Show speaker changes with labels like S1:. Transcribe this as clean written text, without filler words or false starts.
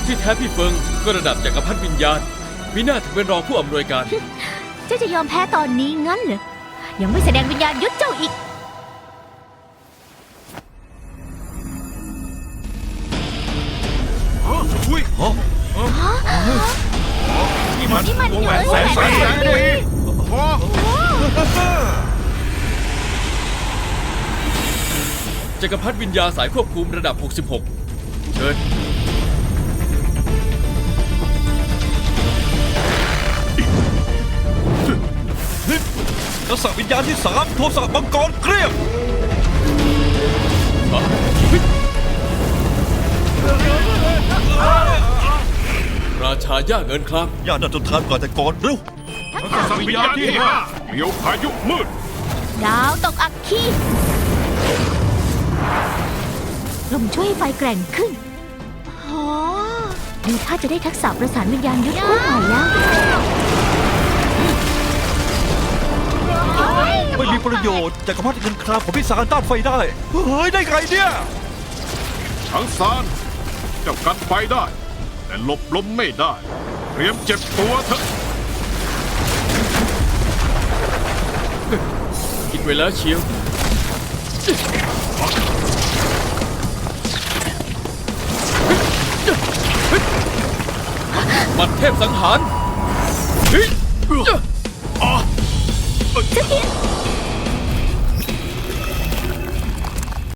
S1: ที่แท้พี่เฟิงก็ระดับจักรพรรดิวิญญาณมีหน้าถึงเป็นรองผู้อำนวยการ
S2: เจ้าจะยอมแพ้ตอนนี้งั้นเหรอยังไม่แสดงวิญญาณยุทธเจ้าอีก
S3: อุ้ยนี่มันวงแหวนแสนสี
S1: จักรพรรดิวิญญาสายควบคุมระดับ 66 เชิญ
S3: ทักษะวิญญาณที่3โทสะมังกรเกลี้ยง
S1: ราชาย่าเงินคลัง
S3: ย่าน่าจนทานก่อนแต่ก่อนเร็ว
S4: ทักษะวิญญาณที่5เมียวพายุมืด
S2: ดาวตกอัคคีลมช่วยให้ไฟแกร่งขึ้นดูถ้าจะได้ทักษะประสานวิญญาณยุทธคู่ใหม่แล้ว
S3: ไม่มีประโยชน์จักรพรรดิเงินครามของพี่สารต้านไฟได้เฮ้ยได้ไงเนี่ย
S4: ทั้งซานเจ้ากันไฟได้ แต่หลบลมไม่ได้ เตรียมเจ็บตัวเถอะ
S1: คิดไว้แล้วเชียวบัดเทพสังหาร
S2: เจ้าเทียน